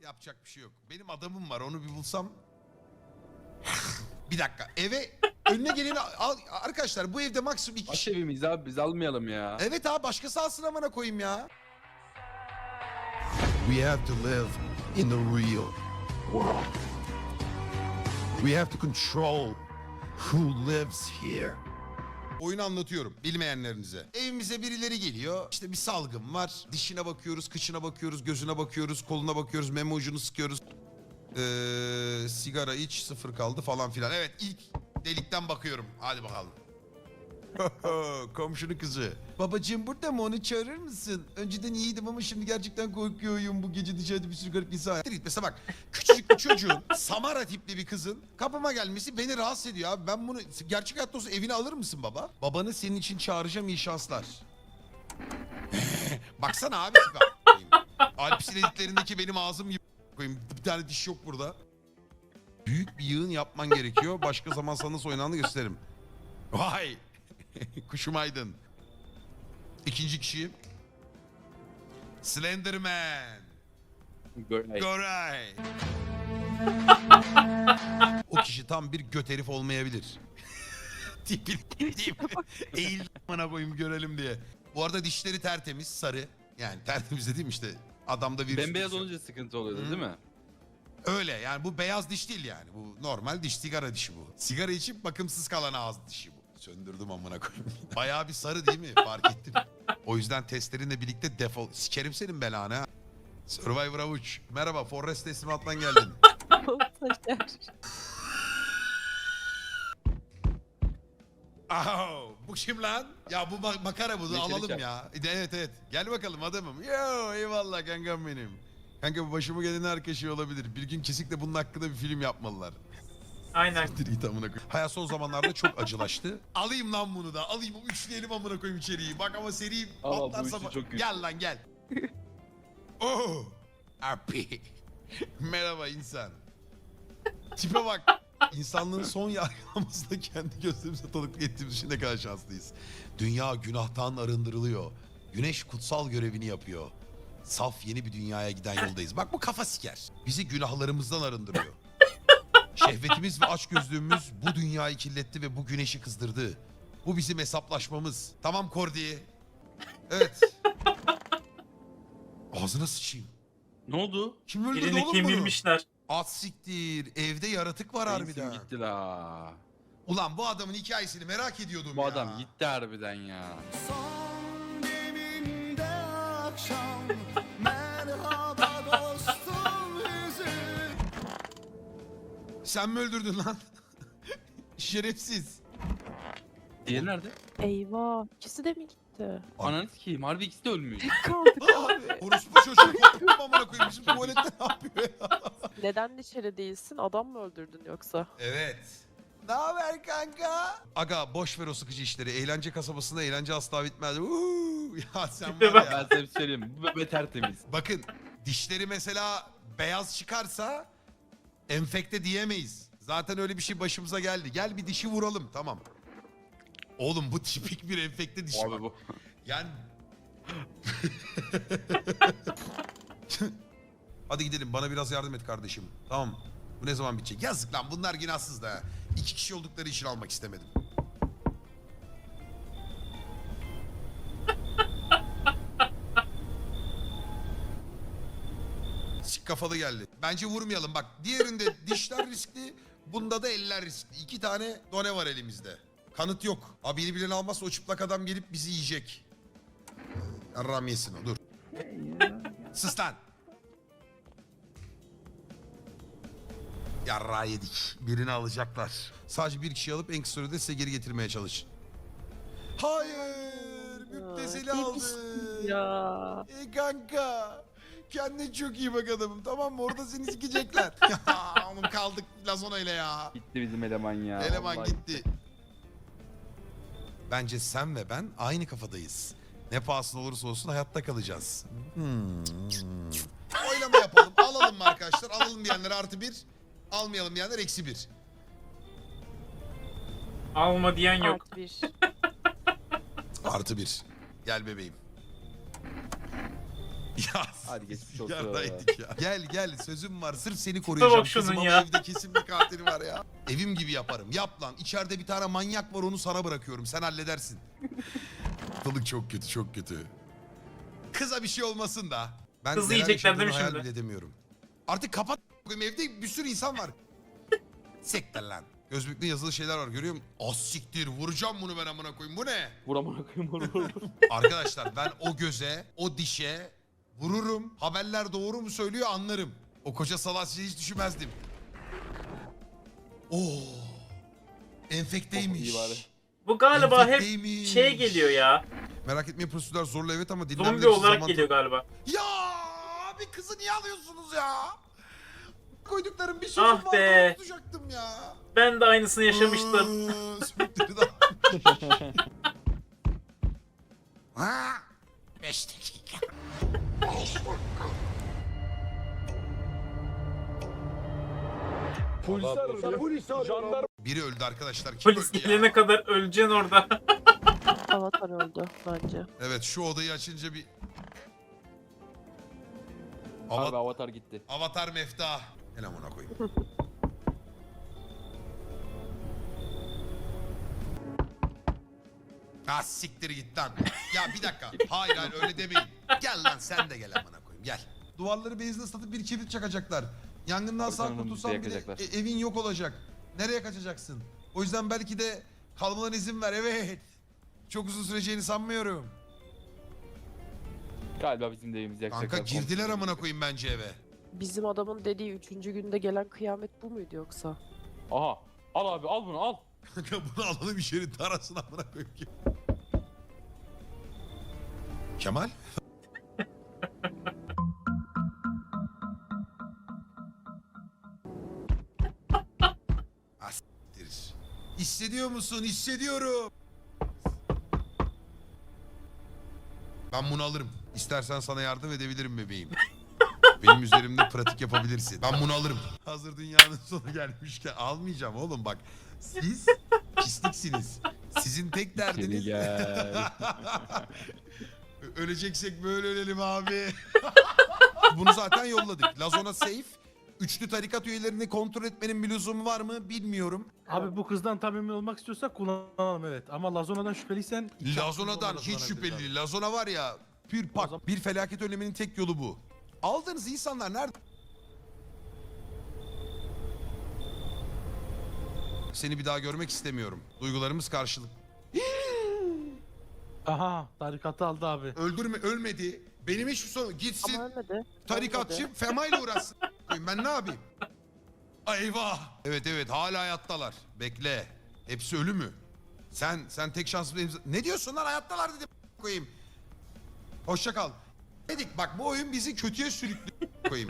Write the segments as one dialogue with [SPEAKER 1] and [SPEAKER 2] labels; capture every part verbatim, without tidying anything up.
[SPEAKER 1] Yapacak bir şey yok. Benim adamım var, onu bir bulsam. Bir dakika, eve önüne geleni al. Arkadaşlar bu evde maksimum iki
[SPEAKER 2] Baş
[SPEAKER 1] kişi.
[SPEAKER 2] evimiz abi, biz almayalım ya.
[SPEAKER 1] Evet abi, başkası alsın amına koyayım ya. We have to live in the real world. We have to control who lives here. Oyunu anlatıyorum bilmeyenlerinize. Evimize birileri geliyor. İşte bir salgın var. Dişine bakıyoruz, kıçına bakıyoruz, gözüne bakıyoruz, koluna bakıyoruz, meme ucunu sıkıyoruz. Ee, sigara iç, sıfır kaldı falan filan. Evet, ilk delikten bakıyorum. Hadi bakalım. Komşunun kızı. Babacığım burada mı, onu çağırır mısın? Önceden iyiydim ama şimdi gerçekten korkuyorum. Bu gece dışarıda bir sürü garip insan. Mesela bak, küçücük bir çocuğun Samara tipli bir kızın kapıma gelmesi beni rahatsız ediyor abi. Ben bunu gerçek hayatta olsa evine alır mısın baba? Babanı senin için çağıracağım, iyi şanslar. Baksana abi. Alp silediklerindeki benim ağzım gibi koyayım. Bir tane diş yok burada. Büyük bir yığın yapman gerekiyor. Başka zaman sana nasıl oynandığını gösteririm. Vay. Kuşum aydın. İkinci kişi. Slenderman.
[SPEAKER 2] Göray.
[SPEAKER 1] Goray. O kişi tam bir göt herif olmayabilir. Tipini eğil bana koyayım görelim diye. Bu arada dişleri tertemiz, sarı. Yani tertemiz dediğim işte adamda virüs.
[SPEAKER 2] Bembeyaz olunca sıkıntı oluyordu
[SPEAKER 1] Hı.
[SPEAKER 2] değil mi?
[SPEAKER 1] Öyle yani, bu beyaz diş değil yani. Bu normal diş, sigara dişi bu. Sigara içip bakımsız kalan ağız dişi bu. Söndürdüm amına koyayım. Bayağı bir sarı değil mi? Fark ettim. O yüzden testlerinle birlikte defol. Sikerim senin belanı ha. Survivor Avuç. Merhaba, Forrest teslimattan geldin. Oh, bu kim lan? Ya bu ma- makara bunu
[SPEAKER 2] Neşeli
[SPEAKER 1] alalım
[SPEAKER 2] Çak.
[SPEAKER 1] ya. Evet evet. Gel bakalım adamım. Yo eyvallah kankam benim. Kanka bu başıma gelen herkes şey olabilir. Bir gün kesinlikle bunun hakkında bir film yapmalılar.
[SPEAKER 3] Aynen.
[SPEAKER 1] Direkt amına koyayım. Hayat son zamanlarda çok acılaştı. Alayım lan bunu da. Alayım, üçleyelim amına koyayım içeriği. Bak ama seri
[SPEAKER 2] Aa, bu
[SPEAKER 1] patlarsa...
[SPEAKER 2] üçlü çok güçlü.
[SPEAKER 1] Gel lan gel. Oh. Happy. Merhaba insan. Tipe bak. İnsanlığın son yargılamasında kendi gözlerimize tanıklık ettiğimiz için ne kadar şanslıyız. Dünya günahtan arındırılıyor. Güneş kutsal görevini yapıyor. Saf yeni bir dünyaya giden yoldayız. Bak bu kafa siker. Bizi günahlarımızdan arındırıyor. Şehvetimiz ve açgözlüğümüz bu dünyayı kirletti ve bu güneşi kızdırdı. Bu bizim hesaplaşmamız. Tamam Kordi. Evet. Ağzına sıçayım.
[SPEAKER 2] Ne oldu?
[SPEAKER 1] Kim öldürdü
[SPEAKER 3] Birini
[SPEAKER 1] oğlum bunu?
[SPEAKER 3] kemirmişler.
[SPEAKER 1] At siktir. Evde yaratık var
[SPEAKER 2] Bensim
[SPEAKER 1] harbiden.
[SPEAKER 2] gitti la.
[SPEAKER 1] Ulan bu adamın hikayesini merak ediyordum
[SPEAKER 2] Bu
[SPEAKER 1] ya.
[SPEAKER 2] adam gitti harbiden ya.
[SPEAKER 4] Son deminde akşam merhaba dostum hüzün.
[SPEAKER 1] Sen mi öldürdün lan? Şerefsiz.
[SPEAKER 2] Diğeri nerede?
[SPEAKER 5] Eyvah, ikisi de mi gitti?
[SPEAKER 2] Ananı sikeyim, harbi ikisi de ölmüş.
[SPEAKER 5] Kaldık abi.
[SPEAKER 1] Orospu çocuğu korktum amına koyayım. Bizim tuvalette ne yapıyor ya?
[SPEAKER 5] Neden dışarı değilsin? Adam mı öldürdün yoksa?
[SPEAKER 1] Evet. Ne haber kanka? Aga boş ver o sıkıcı işleri. Eğlence kasabasında eğlence asla bitmez. Uuu. Ya sen var
[SPEAKER 2] Ben
[SPEAKER 1] ya.
[SPEAKER 2] sana bir şey söyleyeyim, bu bebe tertemiz.
[SPEAKER 1] Bakın dişleri mesela beyaz çıkarsa enfekte diyemeyiz. Zaten öyle bir şey başımıza geldi. Gel bir dişi vuralım, tamam. Oğlum bu tipik bir enfekte diş.
[SPEAKER 2] Abi bu.
[SPEAKER 1] Yani... Hadi gidelim, bana biraz yardım et kardeşim. Tamam. Bu ne zaman bitecek? Yazık lan, bunlar günahsız da. İki kişi oldukları için almak istemedim. Sik kafalı geldi. Bence vurmayalım bak. Diğerinde dişler riskli, bunda da eller riskli. İki tane done var elimizde. Kanıt yok. Abi yeni birini almazsa o çıplak adam gelip bizi yiyecek. Yarram yesin o, dur. Sus lan. Yarra yedik. Birini alacaklar. Sadece bir kişi alıp en kısa sürede size geri getirmeye çalış. Hayır. Müptezeli
[SPEAKER 5] Aa,
[SPEAKER 1] aldı.
[SPEAKER 5] demiştim ya.
[SPEAKER 1] Ey kanka. Kendine çok iyi bak adamım, tamam mı? Orada seni sikecekler. Oğlum kaldık Lazona ile ya.
[SPEAKER 2] Gitti bizim eleman ya.
[SPEAKER 1] Eleman
[SPEAKER 2] vallahi
[SPEAKER 1] gitti. Bence sen ve ben aynı kafadayız. Ne pahasına olursa olsun hayatta kalacağız. Hmm. Oylama yapalım. Alalım mı arkadaşlar? Alalım diyenler artı bir. Almayalım diyenler eksi bir.
[SPEAKER 3] Alma diyen yok.
[SPEAKER 5] Artı bir.
[SPEAKER 1] Artı bir. Gel bebeğim. Ya
[SPEAKER 2] Hadi geçmiş olsun.
[SPEAKER 1] yarraydık ya. Gel gel sözüm var sırf seni
[SPEAKER 3] bak
[SPEAKER 1] koruyacağım.
[SPEAKER 3] şunun
[SPEAKER 1] Kızım ama
[SPEAKER 3] ya.
[SPEAKER 1] evde kesin bir katil var ya. Evim gibi yaparım. Yap lan. İçeride bir tane manyak var onu sana bırakıyorum. Sen halledersin. Ortalık çok kötü çok kötü. Kıza bir şey olmasın da. Ben
[SPEAKER 3] Kızı
[SPEAKER 1] neler
[SPEAKER 3] yiyecekler değil mi
[SPEAKER 1] yaşadığımı hayal
[SPEAKER 3] şimdi?
[SPEAKER 1] bile edemiyorum. Artık kapat. Evde bir sürü insan var. Sektir lan. Gözlükte yazılı şeyler var görüyor musun? Az siktir vuracağım bunu ben amına koyayım. Bu ne?
[SPEAKER 2] Vur amına koyayım vur vur.
[SPEAKER 1] Arkadaşlar ben o göze, o dişe vururum. Haberler doğru mu söylüyor anlarım. O koca salasıyı hiç düşünmezdim. Oo. Enfekteymiş.
[SPEAKER 2] iyi bari.
[SPEAKER 3] Bu galiba hep
[SPEAKER 1] Enfekteymiş.
[SPEAKER 3] şey geliyor ya.
[SPEAKER 1] Merak etmeyin prosedürler zorlu evet ama dinlenmek
[SPEAKER 3] Zombi
[SPEAKER 1] için
[SPEAKER 3] olarak
[SPEAKER 1] zaman...
[SPEAKER 3] geliyor galiba.
[SPEAKER 1] Ya abi kızı niye alıyorsunuz ya? Koyduklarım bir şey
[SPEAKER 3] Ah
[SPEAKER 1] vardı
[SPEAKER 3] be.
[SPEAKER 1] onu tutacaktım ya.
[SPEAKER 3] Ben de aynısını yaşamıştım.
[SPEAKER 1] Aa, sümükleri de- Ha, beş dakika. Biri öldü arkadaşlar. Kim
[SPEAKER 3] Polis
[SPEAKER 1] öldü ya?
[SPEAKER 3] gelene kadar öleceksin orada.
[SPEAKER 5] Avatar öldü bence.
[SPEAKER 1] Evet şu odayı açınca bir...
[SPEAKER 2] Abi
[SPEAKER 1] Ava-
[SPEAKER 2] avatar gitti.
[SPEAKER 1] Avatar mefta. Gel amına koyayım. Ha siktir git lan. Ya bir dakika. Hayır hayır öyle demeyin. Gel lan sen de gel amına koyayım gel. Duvarları benzin ıslatıp bir kibrit çakacaklar. Yangından sağ
[SPEAKER 2] Arkadan
[SPEAKER 1] kurtulsan
[SPEAKER 2] bizi
[SPEAKER 1] bile
[SPEAKER 2] yakacaklar.
[SPEAKER 1] e- evin yok olacak. Nereye kaçacaksın? O yüzden belki de kalmalarına izin ver evet. Çok uzun süreceğini sanmıyorum.
[SPEAKER 2] Galiba bizim de evimizi yakacaklar.
[SPEAKER 1] Kanka girdiler amına koyayım bence eve.
[SPEAKER 5] Bizim adamın dediği üçüncü günde gelen kıyamet bu muydu yoksa?
[SPEAKER 2] Aha. Al abi al bunu al.
[SPEAKER 1] Kanka bunu alalım içeri tarasın amına koyayım ki. Kemal? Asittir. Hissediyor musun? Hissediyorum. Ben bunu alırım. İstersen sana yardım edebilirim bebeğim. Benim üzerimde pratik yapabilirsin. Ben bunu alırım. Hazır dünyanın sonu gelmişken almayacağım oğlum bak. Siz pisliksiniz. Sizin tek derdiniz...
[SPEAKER 2] Seni gel.
[SPEAKER 1] Öleceksek böyle ölelim abi. Bunu zaten yolladık. Lazona safe. Üçlü tarikat üyelerini kontrol etmenin bir lüzumu var mı bilmiyorum.
[SPEAKER 6] Abi bu kızdan tam emin olmak istiyorsak kullanalım evet. Ama Lazona'dan şüpheliysen... iki
[SPEAKER 1] Lazona'dan
[SPEAKER 6] hakkında
[SPEAKER 1] hiç
[SPEAKER 6] kullanabiliriz
[SPEAKER 1] şüpheli
[SPEAKER 6] abi.
[SPEAKER 1] değil. Lazona var ya pür
[SPEAKER 6] O
[SPEAKER 1] pak.
[SPEAKER 6] zaman-
[SPEAKER 1] Bir felaket önleminin tek yolu bu. Aldığınız insanlar nerede? Seni bir daha görmek istemiyorum. Duygularımız karşılık.
[SPEAKER 6] Aha tarikatı aldı abi.
[SPEAKER 1] Öldürme, ölmedi. Benim hiçbir sorun. Gitsin.
[SPEAKER 5] Ama ölmedi.
[SPEAKER 1] Tarikatçı
[SPEAKER 5] Ölmedi.
[SPEAKER 1] Fema ile uğraşsın. Ben ne yapayım? Ay eyvah. Evet evet hala hayattalar. Bekle. Hepsi ölü mü? Sen sen tek şanslı imza... Ne diyorsun lan hayattalar dedim koyayım. Hoşça kal. Dedik bak bu oyun bizi kötüye sürüklü koyayım.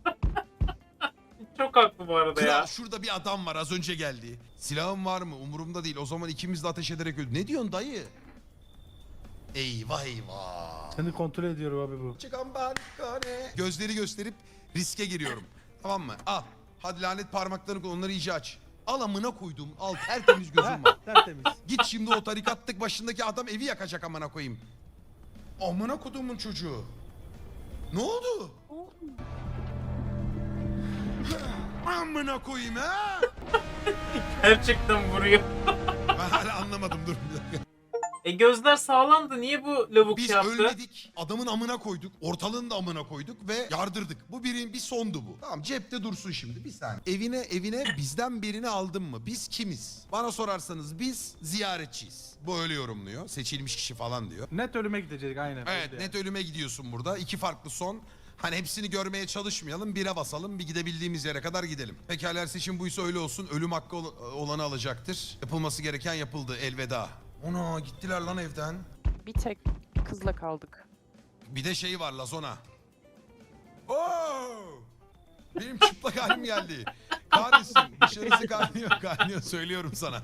[SPEAKER 3] Çok haklı bu arada
[SPEAKER 1] Kral
[SPEAKER 3] ya.
[SPEAKER 1] şurada bir adam var az önce geldi. Silahım var mı? Umurumda değil. O zaman ikimiz de ateş ederek öldü. Ne diyorsun dayı? Eyvah eyvah.
[SPEAKER 6] Seni kontrol ediyorum abi bu.
[SPEAKER 1] Çıkan balkone. Gözleri gösterip riske giriyorum. Tamam mı? Al. Hadi lanet parmaklarını koy. Onları iyice aç. Al amına koydum. Al tertemiz gözüm var.
[SPEAKER 6] Heh, tertemiz.
[SPEAKER 1] Git şimdi o tarikatlık başındaki adam evi yakacak amına koyayım. Amına kodumun çocuğu. Ne oldu? Amına koyayım ha?
[SPEAKER 3] Gerçekten vuruyor.
[SPEAKER 1] Ben hala anlamadım dur bir dakika.
[SPEAKER 3] E gözler sağlamdı. Niye bu lavuk
[SPEAKER 1] Biz
[SPEAKER 3] şey yaptı?
[SPEAKER 1] ölmedik. Adamın amına koyduk. Ortalığın da amına koyduk ve yardırdık. Bu birin bir sondu bu. Tamam cepte dursun şimdi bir saniye. Evine evine bizden birini aldın mı? Biz kimiz? Bana sorarsanız biz ziyaretçiyiz. Bu öyle yorumluyor. Seçilmiş kişi falan diyor.
[SPEAKER 6] Net ölüme gidecek aynen.
[SPEAKER 1] Evet
[SPEAKER 6] Belli
[SPEAKER 1] net ölüme gidiyorsun burada. İki farklı son. Hani hepsini görmeye çalışmayalım. Bire basalım. Bir gidebildiğimiz yere kadar gidelim. Pekala seçim buysa öyle olsun. Ölüm hakkı ol- olanı alacaktır. Yapılması gereken yapıldı. Elveda. Ona gittiler lan evden.
[SPEAKER 5] Bir tek kızla kaldık.
[SPEAKER 1] Bir de şey var Lazona. Oo! Benim çıplak halim geldi. Kahretsin. Dışarısı kaynıyor kaynıyor söylüyorum sana.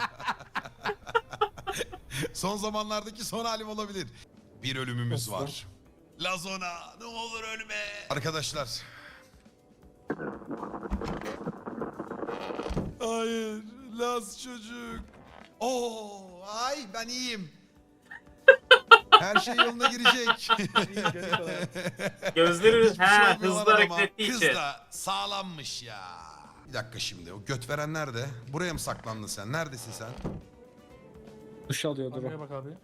[SPEAKER 1] Son zamanlardaki son halim olabilir. Bir ölümümüz var. Lazona ne olur ölme. Arkadaşlar. Hayır. Laz çocuk. Oo, ay ben iyiyim. Her şey yoluna girecek.
[SPEAKER 3] Gözleri
[SPEAKER 1] Hiçbir şey
[SPEAKER 3] ha
[SPEAKER 1] olmuyor
[SPEAKER 3] hızlı
[SPEAKER 1] lan
[SPEAKER 3] hareket
[SPEAKER 1] ama.
[SPEAKER 3] ettiği
[SPEAKER 1] Kız
[SPEAKER 3] için.
[SPEAKER 1] da sağlammış ya. Bir dakika şimdi o göt veren nerede? Buraya mı saklandın sen? Neredesin sen?
[SPEAKER 7] Duş alıyordur
[SPEAKER 6] Arkaya
[SPEAKER 7] o.
[SPEAKER 6] bak abi.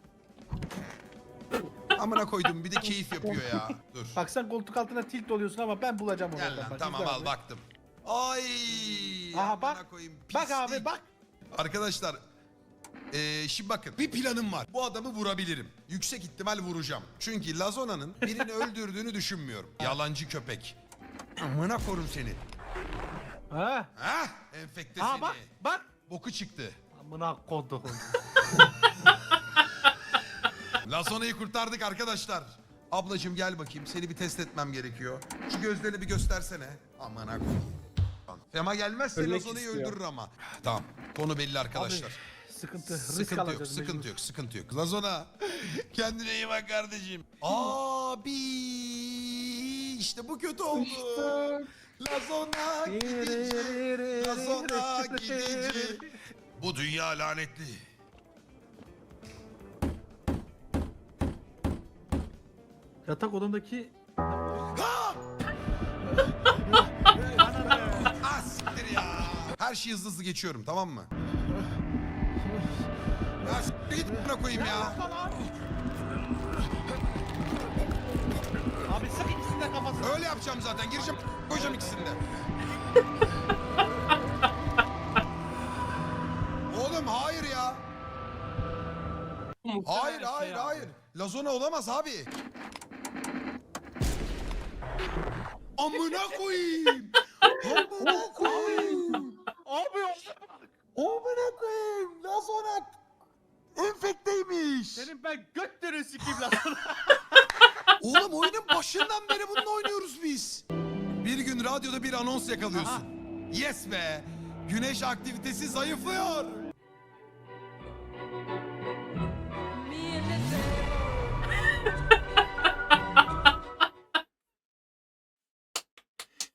[SPEAKER 1] Amına koydum bir de keyif yapıyor ya. Dur.
[SPEAKER 6] Bak sen koltuk altına tilt oluyorsun ama ben bulacağım onu.
[SPEAKER 1] Gel
[SPEAKER 6] oradan.
[SPEAKER 1] lan
[SPEAKER 6] Bak,
[SPEAKER 1] tamam
[SPEAKER 6] izle
[SPEAKER 1] al
[SPEAKER 6] abi.
[SPEAKER 1] baktım. Ay.
[SPEAKER 6] Aha,
[SPEAKER 1] amına
[SPEAKER 6] bak.
[SPEAKER 1] koyayım,
[SPEAKER 6] Bak abi
[SPEAKER 1] pislik.
[SPEAKER 6] bak.
[SPEAKER 1] Arkadaşlar ee, şimdi bakın bir planım var. Bu adamı vurabilirim. Yüksek ihtimal vuracağım. Çünkü Lazona'nın birini öldürdüğünü düşünmüyorum. Yalancı köpek. Amına korum seni.
[SPEAKER 6] Ha?
[SPEAKER 1] Hah enfekte
[SPEAKER 6] Aa
[SPEAKER 1] seni.
[SPEAKER 6] bak bak.
[SPEAKER 1] Boku çıktı.
[SPEAKER 6] Amına kodum.
[SPEAKER 1] Lazona'yı kurtardık arkadaşlar. Ablacım gel bakayım seni bir test etmem gerekiyor. Şu gözlerini bir göstersene. Amına koyayım. Fema gelmezse
[SPEAKER 7] Ölmek
[SPEAKER 1] Lazona'yı
[SPEAKER 7] istiyor.
[SPEAKER 1] öldürür ama. Tamam konu belli arkadaşlar.
[SPEAKER 6] Sıkıntı. Risk
[SPEAKER 1] Sıkıntı yok,
[SPEAKER 6] alacağız.
[SPEAKER 1] sıkıntı
[SPEAKER 6] mecbur.
[SPEAKER 1] yok, sıkıntı yok. Lazona, kendine iyi bak kardeşim. Abi, işte bu kötü oldu. Lazona gidici, Lazona gidici. Bu dünya lanetli.
[SPEAKER 6] Yatak odamdaki
[SPEAKER 1] Ah siktir ya. Her şeyi hızlı hızlı geçiyorum tamam mı? Ya siktir git buna koyayım ya.
[SPEAKER 6] Abi sık ikisini de kafasına.
[SPEAKER 1] Öyle yapacağım zaten. Gireceğim koyacağım ikisini de. Oğlum hayır ya. Hayır hayır hayır. Lazona olamaz abi. Amına koyayım. Amına koyayım.
[SPEAKER 6] Abi
[SPEAKER 1] Amına koyayım. Lazona enfekteymiş.
[SPEAKER 6] senin ben götlerini sikeyim lan.
[SPEAKER 1] Oğlum oyunun başından beri bununla oynuyoruz biz. Bir gün radyoda bir anons yakalıyorsun. Yes be. Güneş aktivitesi zayıflıyor.